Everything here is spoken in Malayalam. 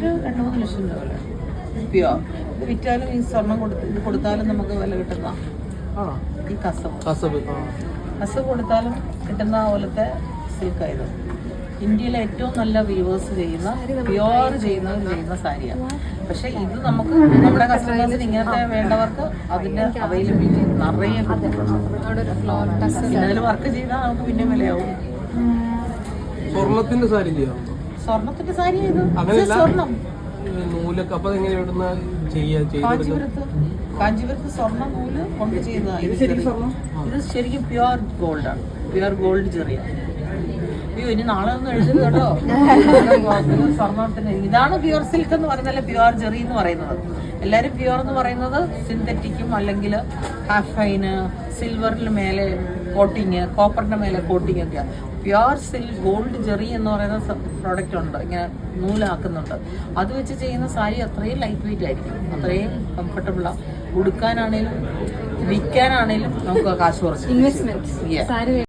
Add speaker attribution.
Speaker 1: ഒരു 2-3 ലക്ഷം രൂപ വില. പ്യുവർ ഇത് വിറ്റാലും ഈ സ്വർണം കൊടുത്താലും നമുക്ക് വില കിട്ടുന്ന ഈ കസവ് കൊടുത്താലും കിട്ടുന്ന പോലത്തെ സിൽക്കായത്. ഇന്ത്യയിലെ ഏറ്റവും നല്ല വ്യൂവേഴ്സ് ചെയ്യുന്ന പ്യുവർ ചെയ്യുന്ന സാരിയാണ്. പക്ഷെ ഇത് നമുക്ക് നമ്മുടെ കസ്റ്റമേഴ്സിന് ഇങ്ങനത്തെ വേണ്ടവർക്ക് അതിന്റെ അവൈലബിലിറ്റി നിറയെ അതിൽ വർക്ക് ചെയ്താൽ നമുക്ക് പിന്നെ വിലയാവും.
Speaker 2: സ്വർണത്തിന്റെ സാരി ചെയ്യാറുണ്ടോ?
Speaker 1: സ്വർണത്തിന്റെ സാരി ഇത് സ്വർണം കാഞ്ചീപുരത്ത് സ്വർണ്ണ നൂല് കൊണ്ട് ചെയ്യുന്നതാണ്. ഇത് ശരിക്കും പ്യുവർ ഗോൾഡാണ്. പ്യുവർ ഗോൾഡ് ചെറിയ. അയ്യോ ഇനി നാളെ ഒന്ന് എഴുതുന്നത് കേട്ടോ. സ്വർണ്ണത്തിന് ഇതാണ് പ്യുവർ സിൽക്ക് എന്ന് പറയുന്നതല്ല പ്യുവർ ജെറി എന്ന് പറയുന്നത്. എല്ലാവരും പ്യുവർ എന്ന് പറയുന്നത് സിന്തറ്റിക്കും അല്ലെങ്കിൽ ഹാഫ് ഫൈന് സിൽവറിന് മേലെ കോട്ടിങ്, കോപ്പറിന്റെ മേലെ കോട്ടിങ് ഒക്കെയാണ്. പ്യുവർ ഗോൾഡ് ജെറി എന്ന് പറയുന്ന പ്രോഡക്റ്റ് ഉണ്ട്, ഇങ്ങനെ നൂലാക്കുന്നുണ്ട്. അത് വെച്ച് ചെയ്യുന്ന സാരി അത്രയും ലൈറ്റ് വെയിറ്റ് ആയിരിക്കും, അത്രയും കംഫർട്ടബിളാണ്. ഉടുക്കാനാണേലും വിൽക്കാനാണേലും നമുക്ക് കാശ് കുറച്ച്.